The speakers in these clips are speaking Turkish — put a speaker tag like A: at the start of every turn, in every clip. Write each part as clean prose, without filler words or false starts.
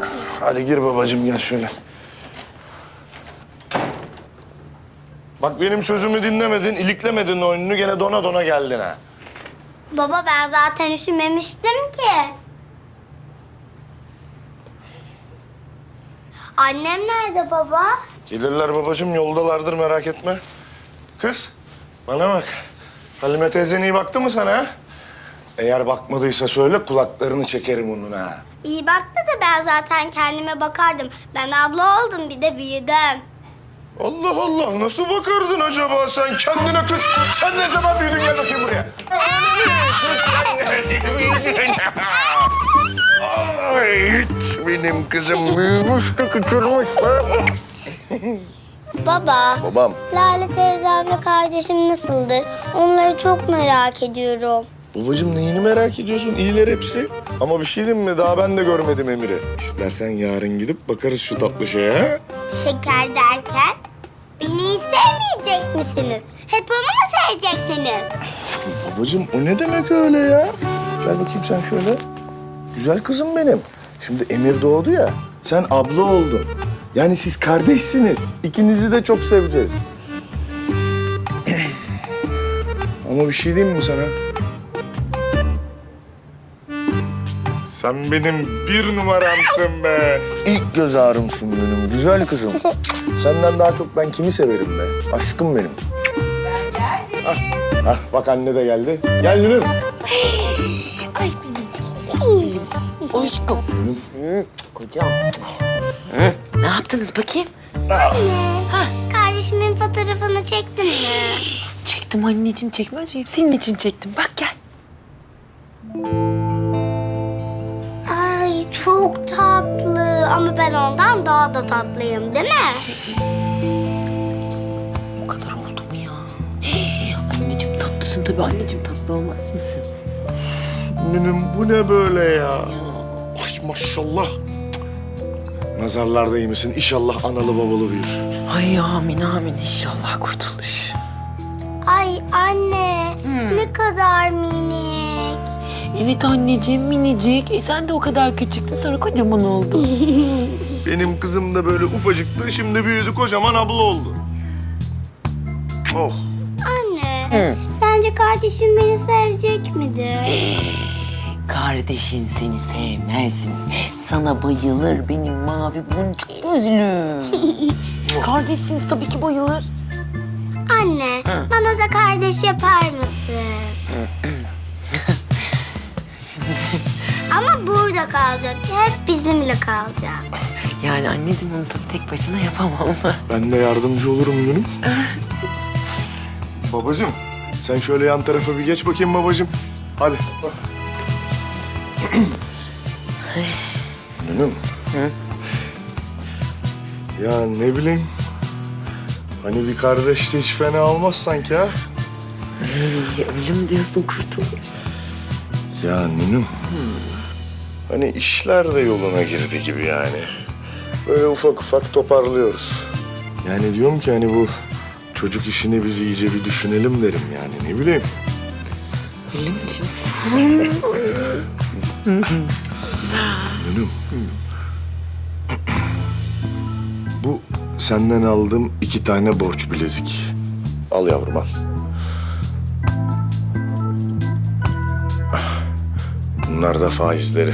A: Hadi gir babacığım, gel şöyle. Bak benim sözümü dinlemedin, iliklemedin oyununu, gene dona dona geldin ha.
B: Baba ben zaten üşümemiştim ki. Annem nerede baba?
A: Gelirler babacığım, yoldalardır, merak etme. Kız, bana bak. Halime teyzen iyi baktı mı sana ha? Eğer bakmadıysa söyle, kulaklarını çekerim onun ha.
B: İyi baktı da ben zaten kendime bakardım. Ben abla oldum, bir de büyüdüm.
A: Allah Allah, nasıl bakardın acaba sen kendine kız? Sen ne zaman büyüdün, gel bakayım buraya. Kız sen nerede büyüdün? Ay, benim kızım büyümüş de küçülmüş be.
B: Baba,
A: Babam.
B: Lale teyzemle kardeşim nasıldır? Onları çok merak ediyorum.
A: Babacığım neyini merak ediyorsun? İyiler hepsi. Ama bir şey diyeyim mi? Daha ben de görmedim Emir'i. İstersen yarın gidip bakarız şu tatlı şeye ha?
B: Şeker derken beni hiç sevmeyecek misiniz? Hep onu mu seveceksiniz?
A: Babacığım o ne demek öyle ya? Gel bakayım sen şöyle. Güzel kızım benim. Şimdi Emir doğdu ya, sen abla oldun. Yani siz kardeşsiniz. İkinizi de çok seveceğiz. Ama bir şey diyeyim mi sana? Sen benim bir numaramsın be. İlk göz ağrımsın benim güzel kızım. Senden daha çok ben kimi severim be? Aşkım benim.
C: Ben geldim.
A: Hah, bak anne de geldi. Gel Gülüm.
C: Ay benim. Aşkım. Kocam. Ne yaptınız bakayım?
B: Anne, kardeşimin fotoğrafını çektin mi?
C: Çektim anneciğim, çekmez miyim? Senin için çektim. Bak gel.
B: Ay çok tatlı ama ben ondan daha da tatlıyım değil mi?
C: O kadar oldu mu ya? Anneciğim tatlısın tabii. Anneciğim tatlı olmaz mısın?
A: Gülüm bu ne böyle ya? Ay maşallah. Nazarlar değmesin. İnşallah analı babalı büyür.
C: Ay amin amin inşallah kurtuluş.
B: Ay anne ne kadar minik.
C: Evet anneciğim minicik. Sen de o kadar küçüktün sonra kocaman oldun.
A: Benim kızım da böyle ufacıktı. Şimdi büyüdü, kocaman abla oldu. Oh.
B: Anne sence kardeşim beni sevecek midir?
C: Kardeşin seni sevmez mi? Sana bayılır benim mavi boncuk gözlüm. Siz kardeşsiniz tabii ki bayılır.
B: Anne bana da kardeş yapar mısın? Ama burada kalacak. Hep bizimle kalacak.
C: Yani anneciğim onu tabii tek başına yapamam.
A: Ben de yardımcı olurum Gülüm. Babacığım, sen şöyle yan tarafa bir geç bakayım babacığım. Hadi. Gülüm. Ya ne bileyim. Hani bir kardeş de hiç fena olmaz sanki ha.
C: Öyle mi diyorsun kurtuluş?
A: Ya Nünüm. Hani işler de yoluna girdi gibi yani. Böyle ufak ufak toparlıyoruz. Yani diyorum ki hani bu çocuk işini biz iyice bir düşünelim derim yani, ne bileyim.
C: Öyle mi diyorsun?
A: Nünüm. Bu senden aldığım 2 tane borç bilezik. Al yavrum al. Bunlar da faizleri.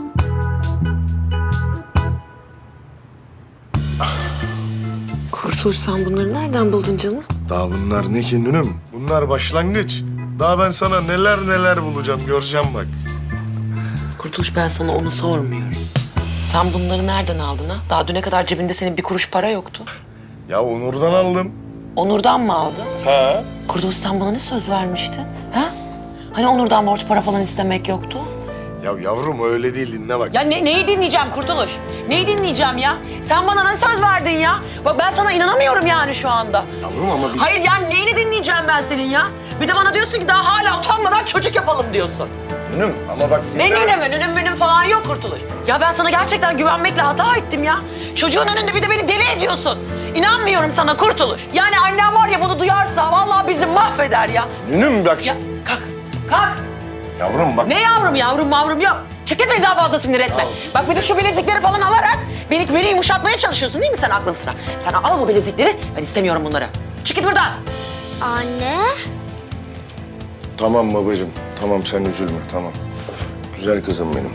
C: Kurtuluş sen bunları nereden buldun canım?
A: Daha bunlar ne ki Nünüm? Bunlar başlangıç. Daha ben sana neler neler bulacağım, göreceğim bak.
C: Kurtuluş ben sana onu sormuyorum. Sen bunları nereden aldın ha? Daha düne kadar cebinde senin bir kuruş para yoktu.
A: Ya Onur'dan aldım.
C: Onur'dan mı aldın?
A: Ha?
C: Kurtuluş sen bana ne söz vermiştin? Ha? Hani Onur'dan borç para falan istemek yoktu?
A: Ya yavrum öyle değil, dinle bak.
C: Ya neyi dinleyeceğim Kurtuluş? Neyi dinleyeceğim ya? Sen bana ne söz verdin ya? Bak ben sana inanamıyorum yani şu anda.
A: Yavrum ama bir...
C: Hayır yani neyini dinleyeceğim ben senin ya? Bir de bana diyorsun ki daha hala utanmadan çocuk yapalım diyorsun.
A: Nünüm ama bak...
C: Ne nünüm falan yok Kurtuluş. Ya ben sana gerçekten güvenmekle hata ettim ya. Çocuğun önünde bir de beni deli ediyorsun. İnanmıyorum sana Kurtuluş. Yani annem var ya bunu duyarsa vallahi bizi mahveder ya.
A: Nünüm bak...
C: Ya kalk, kalk.
A: Yavrum bak...
C: Ne yavrum yok. Çık git beni daha fazla sinir etme. Bak bir de şu bilezikleri falan alarak beni yumuşatmaya çalışıyorsun değil mi sen aklın sıra? Sen al bu bilezikleri, ben istemiyorum bunları. Çık git buradan.
B: Anne.
A: Tamam babacığım. Tamam sen üzülme tamam. Güzel kızım benim.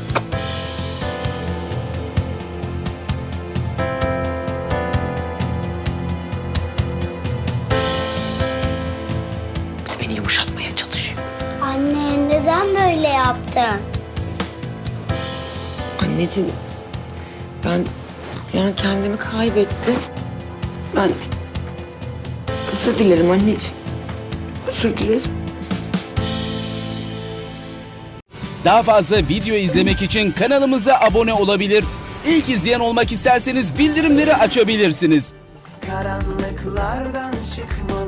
C: Bir de beni yumuşatmaya çalışıyor.
B: Anne neden böyle yaptın?
C: Anneciğim, ben yani kendimi kaybettim. Ben özür dilerim anneciğim. Özür dilerim.
D: Daha fazla video izlemek için kanalımıza abone olabilir. İlk izleyen olmak isterseniz bildirimleri açabilirsiniz.
E: Karanlıklardan çıkmalı